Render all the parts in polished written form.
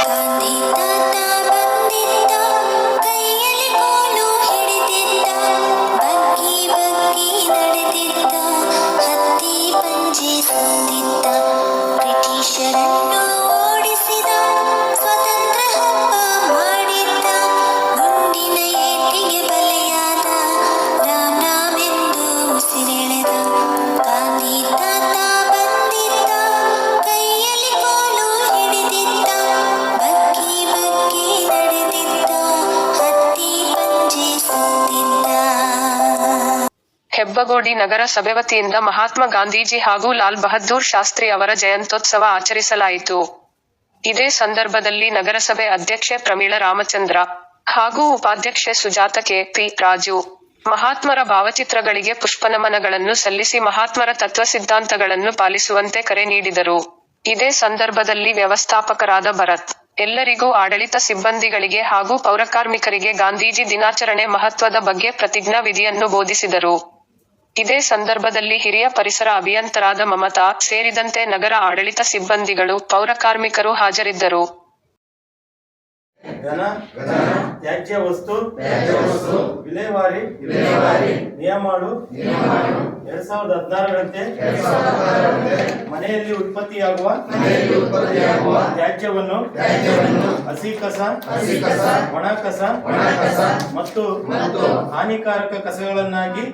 ಗಾಂಧಿ ತಾತ ಬಂದಿದ್ದ, ಕೈಯಲ್ಲಿ ಕೋಲು ಹಿಡಿದಿದ್ದ, ಬಗ್ಗಿ ಬಗ್ಗಿ ನಡೆದಿದ್ದ, ಹತ್ತಿ ಪಂಜೆ ತಂದಿದ್ದ, ಬ್ರಿಟಿಷರನ್ನು ಓಡಿಸಿದ, ಸ್ವತಂತ್ರ ಹಬ್ಬ ಮಾಡಿದ್ದ, ಗುಂಡಿನ ಏಟಿಗೆ ಬಲಿಯಾದ, ರಾಮ್ ರಾಮ್ ಎಂದು ಉಸಿರೆಳೆದ. ಗಾಂಧಿ ತಾತ ಬಂದಿದ್ದ, ಕೈಯಲ್ಲಿ ಕೋಲು ಹಿಡಿದಿದ್ದ, ಬಗ್ಗಿ ಬಗ್ಗಿ ನಡೆದಿದ್ದ, ಹತ್ತಿ ಪಂಜೆ ತಂದಿದ್ದ. ಹೆಬ್ಬಗೋಡಿ ನಗರಸಭೆ ವತಿಯಿಂದ ಮಹಾತ್ಮ ಗಾಂಧೀಜಿ ಹಾಗೂ ಲಾಲ್ ಬಹದ್ದೂರ್ ಶಾಸ್ತ್ರಿ ಅವರ ಜಯಂತ್ಯೋತ್ಸವ ಆಚರಿಸಲಾಯಿತು. ಇದೇ ಸಂದರ್ಭದಲ್ಲಿ ನಗರಸಭೆ ಅಧ್ಯಕ್ಷೆ ಪ್ರಮೀಳಾ ರಾಮಚಂದ್ರ ಹಾಗೂ ಉಪಾಧ್ಯಕ್ಷೆ ಸುಜಾತ ಕೆ.ಪಿ. ರಾಜು ಮಹಾತ್ಮರ ಭಾವಚಿತ್ರಗಳಿಗೆ ಪುಷ್ಪನಮನಗಳನ್ನು ಸಲ್ಲಿಸಿ ಮಹಾತ್ಮರ ತತ್ವ ಸಿದ್ಧಾಂತಗಳನ್ನು ಪಾಲಿಸುವಂತೆ ಕರೆ ನೀಡಿದರು. ಇದೇ ಸಂದರ್ಭದಲ್ಲಿ ವ್ಯವಸ್ಥಾಪಕರಾದ ಭರತ್ ಎಲ್ಲರಿಗೂ ಆಡಳಿತ ಸಿಬ್ಬಂದಿಗಳಿಗೆ ಹಾಗೂ ಪೌರಕಾರ್ಮಿಕರಿಗೆ ಗಾಂಧೀಜಿ ದಿನಾಚರಣೆ ಮಹತ್ವದ ಬಗ್ಗೆ ಪ್ರತಿಜ್ಞಾ ವಿಧಿಯನ್ನು ಬೋಧಿಸಿದರು. ಇದೇ ಸಂದರ್ಭದಲ್ಲಿ ಹಿರಿಯ ಪರಿಸರ ಅಭಿಯಂತರಾದ ಮಮತಾ ಸೇರಿದಂತೆ ನಗರ ಆಡಳಿತ ಸಿಬ್ಬಂದಿಗಳು, ಪೌರಕಾರ್ಮಿಕರು ಹಾಜರಿದ್ದರು. ಘನ ತ್ಯಾಜ್ಯ ವಸ್ತು ವಿಲೇವಾರಿ ನಿಯಮಾವಳಿ 2016ರಂತೆ ಮನೆಯಲ್ಲಿ ಉತ್ಪತ್ತಿಯಾಗುವ ತ್ಯಾಜ್ಯವನ್ನು ಹಸಿ ಕಸ, ಒಣ ಕಸ ಮತ್ತು ಹಾನಿಕಾರಕ ಕಸಗಳನ್ನಾಗಿ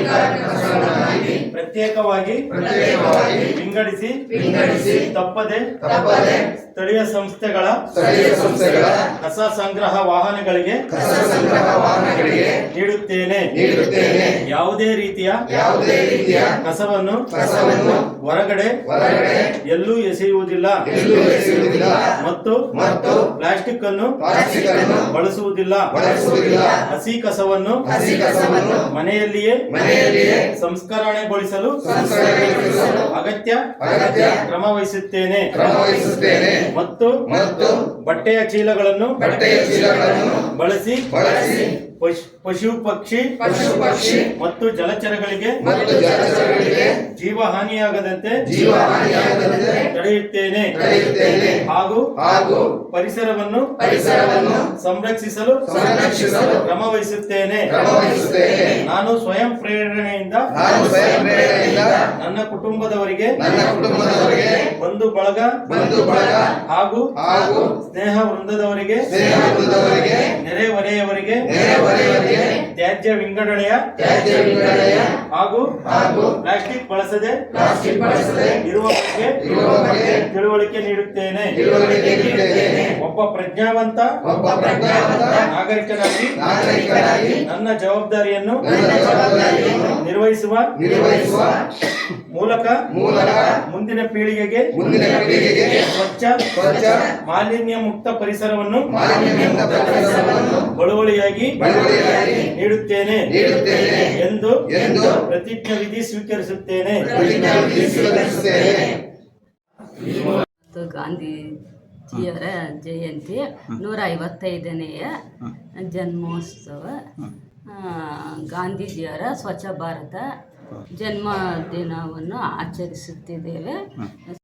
ಪ್ರತ್ಯೇಕವಾಗಿ ವಿಂಗಡಿಸಿ ತಪ್ಪದೆ ಸ್ಥಳೀಯ ಸಂಸ್ಥೆಗಳ ಕಸ ಸಂಗ್ರಹ ವಾಹನಗಳಿಗೆ ನೀಡುತ್ತೇನೆ. ಯಾವುದೇ ರೀತಿಯ ಕಸವನ್ನು ಹೊರಗಡೆ ಎಲ್ಲೂ ಎಸೆಯುವುದಿಲ್ಲ ಮತ್ತು ಪ್ಲಾಸ್ಟಿಕ್ ಅನ್ನು ಬಳಸುವುದಿಲ್ಲ. ಹಸಿ ಕಸವನ್ನು ಮನೆಯಲ್ಲಿಯೇ ಸಂಸ್ಕರಣೆಗೊಳಿಸಲು ಅಗತ್ಯ ಕ್ರಮ ವಹಿಸುತ್ತೇನೆ ಮತ್ತು ಬಟ್ಟೆಯ ಚೀಲಗಳನ್ನು ಬಳಸಿ ಪಶು ಪಕ್ಷಿ ಮತ್ತು ಜಲಚರಗಳಿಗೆ ಜೀವ ಹಾನಿಯಾಗದಂತೆ ತಡೆಯುತ್ತೇನೆ ಹಾಗೂ ಪರಿಸರವನ್ನು ಸಂರಕ್ಷಿಸಲು ಕ್ರಮ ವಹಿಸುತ್ತೇನೆ. ನಾನು ಸ್ವಯಂ ಪ್ರೇರಣೆಯಿಂದ ನನ್ನ ಕುಟುಂಬದವರಿಗೆ, ಬಂಧು ಬಳಗ ಹಾಗೂ ಸ್ನೇಹ ವೃಂದದವರಿಗೆ, ನೆರೆಹೊರೆಯವರಿಗೆ ತ್ಯಾಜ್ಯ ವಿಂಗಡಣೆಯ ಹಾಗೂ ಪ್ಲಾಸ್ಟಿಕ್ ಬಳಸದೆ ಇರುವ ಬಗ್ಗೆ ತಿಳುವಳಿಕೆ ನೀಡುತ್ತೇನೆ. ಒಬ್ಬ ಪ್ರಜ್ಞಾವಂತ ನಾಗರಿಕನಾಗಿ ನನ್ನ ಜವಾಬ್ದಾರಿಯನ್ನು ನಿರ್ವಹಿಸುವ ಮೂಲಕ ಮುಂದಿನ ಪೀಳಿಗೆಗೆ ಸ್ವಚ್ಛ ಮಾಲಿನ್ಯ ಮುಕ್ತ ಪರಿಸರವನ್ನು ಬಳುವಳಿಯಾಗಿ ನೀಡುತ್ತೇನೆ ಎಂದು ಪ್ರತಿಜ್ಞಾ ವಿಧಿ ಸ್ವೀಕರಿಸುತ್ತೇನೆ. ಗಾಂಧೀಜಿಯವರ ಜಯಂತಿ 155ನೇಯ ಜನ್ಮೋತ್ಸವ. ಗಾಂಧೀಜಿಯವರ ಸ್ವಚ್ಛ ಭಾರತ ಜನ್ಮದಿನವನ್ನು ಆಚರಿಸುತ್ತಿದ್ದೇವೆ.